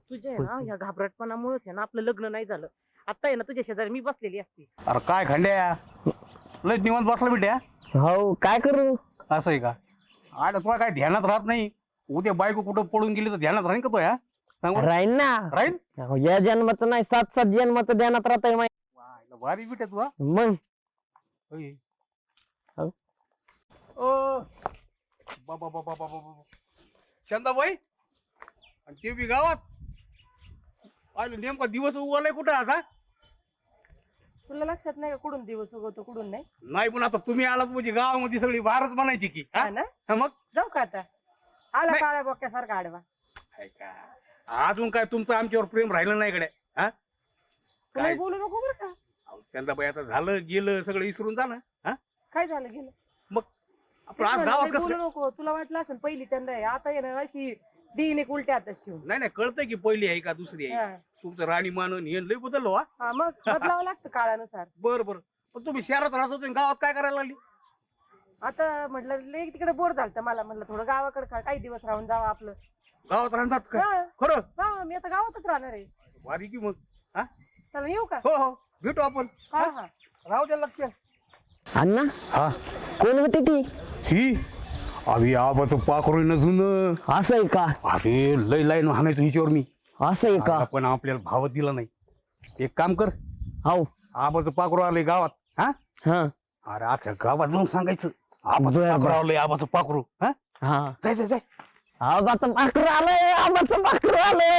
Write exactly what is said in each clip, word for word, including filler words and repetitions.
तुझ्या आहे ना या घाबरटपणामुळेच आहे ना आपलं लग्न नाही झालं. आता आहे ना तुझ्या शेजारी मी बसलेली असते. अरे काय खंड्या लय निवांत बसला बिट्या. हो काय करू असं आहे का? आड तुला काय ध्यानात राहत नाही. उद्या बायको कुठं पडून गेली तर ध्यानात राहीन का तो? या सांग बरं. राहीन ना. राहीन अहो, या जन्माचं नाही सात सात जन्माचं ध्यानात राहत आहे वाह, भारी बिट्या तुला. मग होय. हो. ओ बाबा बाबा बाबा बाबा चंदाबाई आणि ते बी गावात आलो. नेमका दिवस उगवलाय कुठं आता? तुला लक्षात नाही का कुठून दिवस उगवतो कुठून नाही? नाही पण आता तुम्ही आलात म्हणजे गावामध्ये सगळी बारच बनायची की हा? हा ना? हा मग जाऊ का आता? आला नाही. काळ्या बोक्यासारखा आडवा. काय का अजून काय तुमचं आमच्यावर प्रेम राहिलं नाही कडे? हा तुला काय बोलू नको बरं का? अहो, चंदाबाई आता झालं गेलं सगळं विसरून जा ना. हा काय झालं गेलं? मग आपण आज गावात कसं बोलू काय? नको. तुला वाटलं असेल पहिली चंद्र आहे आता आहे ना अशी दिन एक उलट्या हातच ठेवून. नाही नाही कळतंय की पहिली आहे का दुसरी आहे. हा. तुमचं राणी मानून हे लय बदललो. हा हा मग बदलावं लागतं काळानुसार. बर बर पण तुम्ही शहरात राहत होते गावात काय करायला लागली? आता म्हटलं लय तिकडे बोर झालं मला म्हटलं थोडं गावाकडे का- काही दिवस राहून जावं आपलं. गावात राहतात का हा. खरं? हा मी आता गावातच राहणार आहे. भारी की मग. हा चला येऊ का? हो हो भेटू आपण. हा हा. राहू द्या लक्ष. अण्णा हा कोण होती ती? ही अभि आबाचं पाखरू नसून असं आहे का? अरे लय लाईन हाणायचो हिच्यावर मी. असं आहे का? पण आपल्याला भाव दिला नाही. एक काम कर हो आबाचं पाखरू आलंय गावात. हा हा अरे अख्ख्या गावात जाऊन सांगायचं आबाचं बरं, पाखरू बरं. आलंय आबाचं पाखरू. हा हा जाय जाय जाय. आबाचं पाखरू आलंय आबाचं पाखरू आलंय.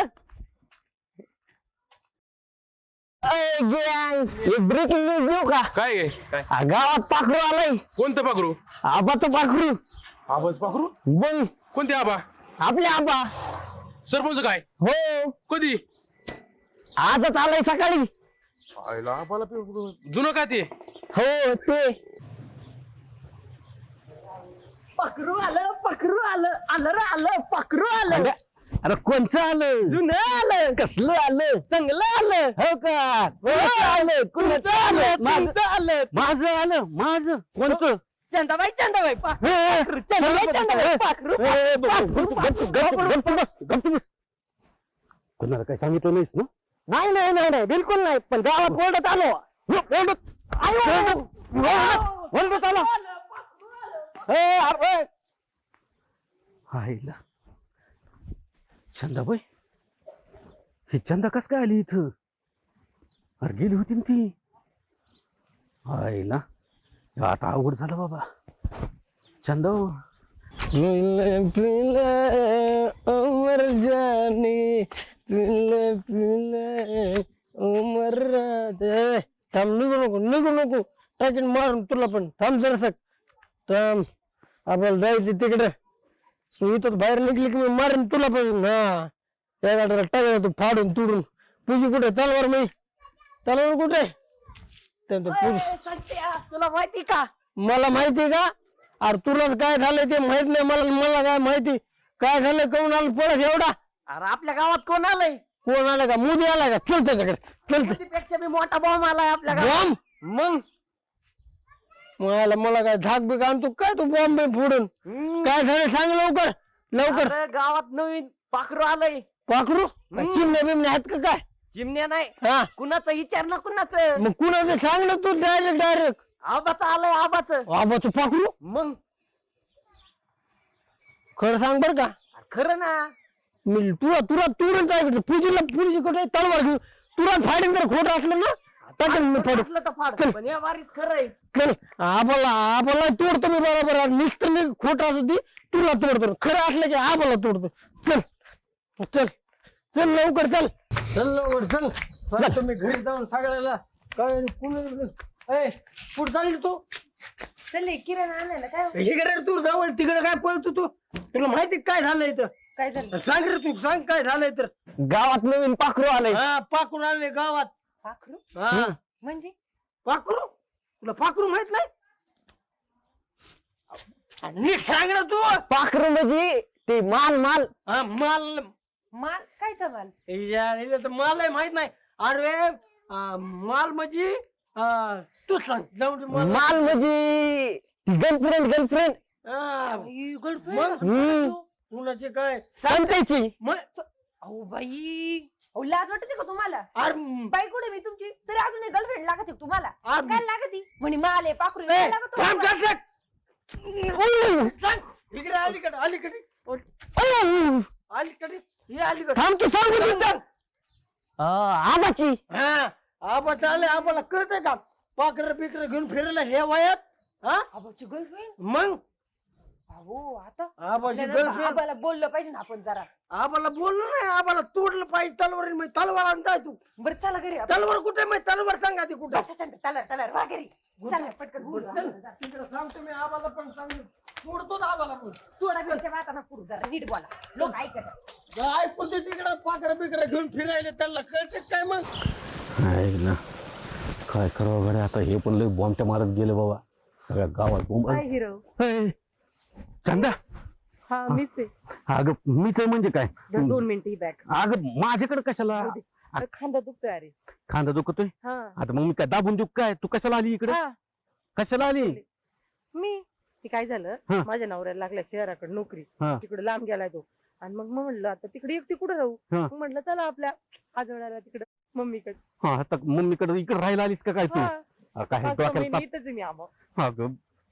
ब्रेकिंग न्यूज देऊ का? काय आहे? काय आ, गावात पाखरू आलंय. कोणतं पाखरू? आबाचं पाखरू. आबाच पाखरू? बोल कोणते आबा? आपले आबा. सरपंच काय? हो कधी? आजच आलंय सकाळी. आईला आबाला पे- जुनं का ते? हो ते पाखरू आलं पाखरू आलं आलं रे आलं पाखरू आलं. अरे कोणचं आलं? जुनं आलं. कसलं आलं? चांगलं आलं. हो का? कोणाचं आलं? कोणाचं आलं? माझं तुमचं आलं. माझं आलं माझं कोणचं? चंदाबाई चंदाबाई पाखरू ए, चंदाबाई चंदाबाई पाखरू ए, ब- ब- पाखरू, गप- गप- गप- पाखरू. गप- बस, गप बस. कोणाला काही सांगितलं नाहीस ना? नाही नाही नाही नाही बिलकुल नाही. पण गावात ओरडत आलो. ओरडत आयो. ओरडत ओरडत आलो. ए, अरे. आईला चंदाबाई ही चंदा कस काय आली इथं? अरे गेली होती ना ती. आईला आता अवघड झालं बाबा. चंदा पिले पिले उमर जानी पिले पिले उमर राजे. थांब निघू नको निघू नको टाकीन मारून तुला पण. थांब जरासक थांब आपल्याला जायचं तिकडे. तू इथं बाहेर निघली की मी मारेन तुला पण. हा त्या गाड्याला टाकलं तू फाडून तुडून. तुझी कुठे तलवार मी तलवार कुठे? त्यांचं पूज संत्या, तुला माहिती का? मला माहिती का? अरे तुला काय झालंय ते माहित नाही मला. मला काय माहिती काय झालं कोण आलं पळत एवढा? अरे आपल्या गावात कोण आलंय? कोण आलं का? मोदी आला का? चल त्याच्याकडे चल. त्यापेक्षा मी मोठा बॉम्ब आलाय आपल्या गावात. बॉम्ब मग मला मला काय झाक बिक आणतो काय तू बॉम्ब फोडून? काय झालं सांग लवकर लवकर. अरे, गावात नवीन पाखरू आलंय. पाखरू चिमण्या बिमण्या आहेत का काय? चिमण्या नाही. हा कुणाचं विचार ना कुणाचं. मग कुणाचं सांग ना तू डायरेक्ट डायरेक्ट. आबाचं आलंय आबाचं. बाबा तू पाखरू मग खरं सांग बर का? अरे, खरं ना. मी तुला तुला तुरंत ऐकलं पूजीला पूजी कडे तलवार घेऊ तुरंत फाडीन. जर खोटं असलं ना टाकेन मी फाडून. फाटलं तर फाड. चल. पण या वारीस खरंय. चल आबाला आबाला तोडतो मी बरोबर. नुसतं मी खोट असं ती तुला तोडतो. खरं असलं की आबाला तोडतो. चल चल चल लवकर चल चल लवकर चल. सांगतो मी घरी जाऊन सगळ्याला काय कुठे चालली तू? चल किरण आणलं ना काय? इकडे तू जवळ तिकडे काय पळतो तू? तुला माहिती काय झालंय इथं? काय झालं? सांग रे तू सांग काय झालंय तर. गावात नवीन पाखरू आलंय. हा पाखरू आले गावात. पाखरू हा म्हणजे? पाखरू तुला पाखरू माहित नाही? नीट सांग ना तू. पाखरू म्हणजे ते माल माल. हा माल माल कायचा माल? या, इथं तर माल आहे माहित नाही. अरे आ, माल म्हणजे आ, तू सांग जाऊ दे मला. माल म्हणजे गर्लफ्रेंड गर्लफ्रेंड हा, गर्लफ्रेंड? मग हम्म कुणाचे काय संत्याची. मग अहो बाई, अहो लाज वाटते का तुम्हाला? अरे बाई कुठे मी तुमची तरी अजून गर्लफ्रेंड लागत आहे तुम्हाला? अरे- काय लागती म्हणे माले पाखरू ए, काय लागत थांब, तुम्हाला? थांब, थांब. सांग. इकडे अलीकडे अलीकडे अलीकडे ये अलीकडे थांब की सांगू तिथं. आबाची हा आबा चालले आबाला कळतंय का पाकर बिकर घेऊन फिरायला हे वयात हा आबाची गर्लफ्रेंड? मग अहो आता आबाची आपल्याला गर्लफ्रेंड आबाला बोललं पाहिजे ना आपण जरा. आबाला बोललो नाही आबाला तोडलं पाहिजे तलवार मी तलवार आणताय तू बरं चला घरी आपण. तलवार कुठे मी तलवार सांगा ती कुठं बसा शांत, चला चला वा घरी. चला पटकन बोलू चल, आपण. तिकडे सांगतो मी आबाला पण सांगतो तोडतोच आबाला पण थोडा घरच्या वाटाणा पुरू जरा नीट बोला, लोक ऐकत. ऐकून ते तिकडे पाकर बिकर घेऊन फिरायला त्यांना कळते काय मग आहे ना काय करावं गड्या आता हे पण लय बॉम्बच्या मारत गेले बाबा सगळ्या गावात बॉम्ब काय हिरो? ए, चंदा हा मीच आहे. अगं मीच आहे म्हणजे काय दोन दोन मिनिटं ही बॅग. अगं माझ्याकडे कशाला खांदा दुखतोय अरे. खांदा दुखतोय हा आता मग मी काय दाबून देऊ काय तू कशाला आली इकडे हा, कशाला आली मी ते काय झालं हा. माझ्या नवऱ्याला लागल्या शहराकडे नोकरी, हा. तिकडे लांब गेलाय तो. आणि मग मग म्हणलं आता तिकडे एकटी कुठे राहू? हा. मग म्हणलं चला आपल्या आजोळ्याला तिकडे मम्मीकडे. हा आता मम्मीकडे इकडे राहायला आलीस का काय तू हा, हा, काय पाच सहा डोक्याला महिने ताप- इथंच आहे मी आबा. अगं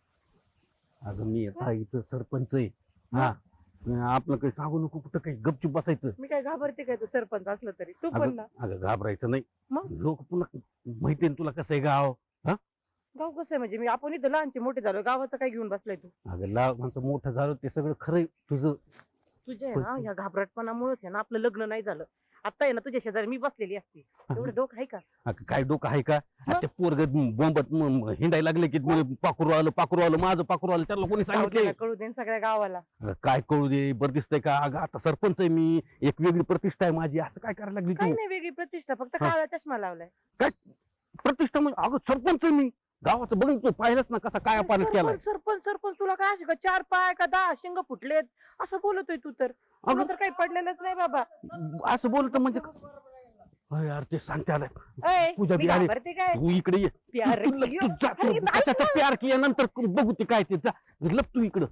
अगं मी आता इथं सरपंच आहे हा आपलं काही सांगू नको कुठं काही गपचूप बसायचं मी काय घाबरते काय तो सरपंच असलं तरी तू पण अगं ना. अगं घाबरायचं नाही मग? लोक पुन्हा माहितीये ना तुला कसं आहे गाव गाव कसं आहे म्हणजे मी आपण इथं लहानचे मोठे झालो, गावाचं काय घेऊन बसलाय तू? अगं लहानचं मोठं झालं ते सगळं खरंय तुझं तुझ्या आहे ना या घाबरटपणामुळेच आहे ना आपलं लग्न नाही झालं. आता आहे ना तुझ्या शेजारी मी बसलेली असते, एवढं डोकं आहे का? अगं काय डोकं आहे का ते पोरग बोंबत हिंडायला लागले की पाखरू आलं पाखरू आलं माझं पाखरू आलं त्याला कोणी जाऊ दे सांगितले ना, कळू दे ना सगळ्या गावाला. अगं काय कळू दे बरं दिसतंय का अगं आता सरपंच आहे मी एक वेगळी प्रतिष्ठा आहे माझी असं काय करायला लागली काही तू नाही वेगळी प्रतिष्ठा, फक्त हा. काळा चष्मा लावलाय. प्रतिष्ठा म्हणजे अगं सरपंच आहे मी गावाचं बघ तू पाहिलंच ना कसा काय पालट केलाय सरपंच सरपंच सरपंच तुला काय अशी का चार पाय का दहा शिंग फुटलेत असं बोलतोय तू तर? तुला अगं तर काही पडलेलंच नाही बाबा. असं बोलत म्हणजे अरे यार ते सांगते आलंय ऐ, पूजा मी बी आली. घाबरते काय? तू इकडे ये प्यार तू- तू- किया. तू जा तू अरे नाही त्याच्यात प्यार किया नंतर बघू ते काय ते जा लप तू इकडं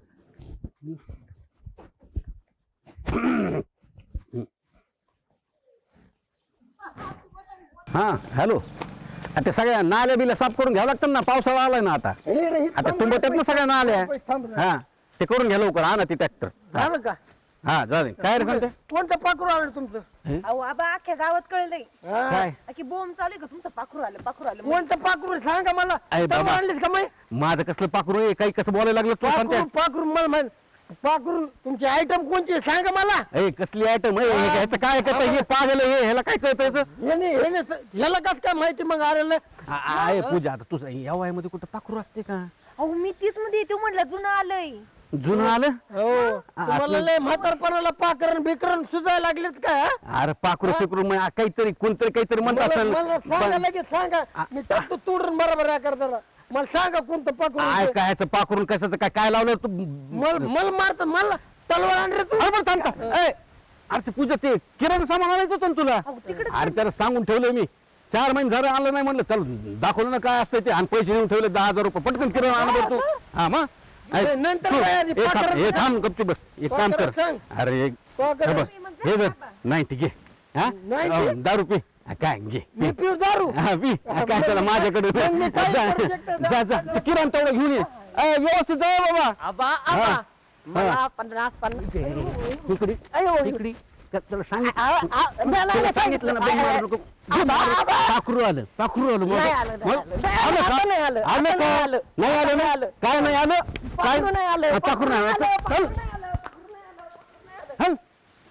हा हॅलो आता सगळ्या नाल्या बिल्या साफ करून घ्यावं लागतं ना पावसाळा आलाय ना आता आता तुंबत्यात ना सगळ्या नाल्या हा ते करून घ्या लवकर आणा ते ट्रॅक्टर झालं का हा चालेल काय रे सांगते कोणतं पाखरू आलं तुमचं अहो आबा अख्ख्या गावात कळलंय हा. काय की बोंब चालू आहे का तुमचं पाखरू आलं पाखरू आलं. कोणतं पाखरू सांगा मला अरे बाबा. तलवार आणलीस का माही माझं कसलं पाखरू आहे काही कसं बोलायला लागलं तू पाखरू सांगते पाखरू मला माहित पाखरू तुमची आयटम कोणची आहे? सांगा मला ए कसली आयटम आहे हे- ह्याचं काय करतं हे पागल आहे हे ह्याला काय कळतं याचं? याने याने स- ह्याला कस काय माहिती मग आलेलं आ- आ- आहे पूजा आता तुझं या वयामध्ये कुठं पाखरू असते का अहो मी तीच मध्ये येते म्हणलं जुनं आलंय. जुनं आलं हो तुम्हाला लय म्हातारपणाला पाकरण बिकरण सुजायला लागलेत काय हा? अरे पाखरू फिकरू मग काहीतरी कोणतरी काहीतरी म्हणत मला असेल मला सांगा पण- लगेच सांगा मी टाकतो तोडून बरोबर या करताना मला सांगा कोणतं पाखरू काय आहे. काय ह्याचं पाखरून कशाचं काय काय लावलं तू मला मला मारतात मला तलवार आण रे तू अरे बरं थांब का? ए, अरे ते पूजा ते किराणा सामान आणायचं होतं ना तुला अरे त्याला सांगून ठेवलंय मी चार महिने झालं आणलं नाही म्हणलं चल दाखवलं ना काय असतं ते आणि पैसे देऊन ठेवले दहा हजार रुपये पटकन किराणा आणा तू हा मग ऐक, नाही, नंतर तू, काय आधी ए, थांब, पाखरं ए, सांग. थांब गपचूप बस एक काम कर पाखरं सांग. अरे एक- पाखरं. हे बघ, हे बघ नाही ठीक आहे हा नाही अहो, ते. दारू पी हा, काय घे मी पिऊ दारू हा, पी हा, काय त्याला माझ्याकडे मग मी काय जा करू शकतो? जा जा ते किराणा तेवढं घेऊन ये ए, व्यवस्थित जा बाबा आबा हा. आबा मला पन्नास पन्नास इकडे अयो. इकडे त्या- त्याला सांगितलं आ- आ- नाही, नाही, त्याला सांगितलं ना बाई मारू नको. आबा, आबा. पाखरू आलं पाखरू आलं मग. नाही आलं, नाही मग? आलं. नाही आलं आलं, का? आता नाही आलं, आता आलं नाही का? आलं. नाही आलं आता ना? नाही आलं. काय नाही आलं काय पाखरू नाही आलं, हा, पाखरू नाही आलं पाखरू चल. नाही आलं, पाखरू नाही आलं, पाखरू नाही आलं, पाखरू नाही आलं.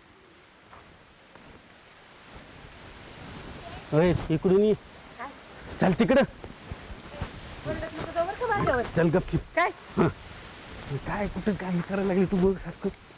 चल ओय, इकडून ये चल तिकडं ओरडत नको जाऊ बरं का माझ्यावर. चल गपची काय काय कुठं काय करायला लागली तू बघ सारखं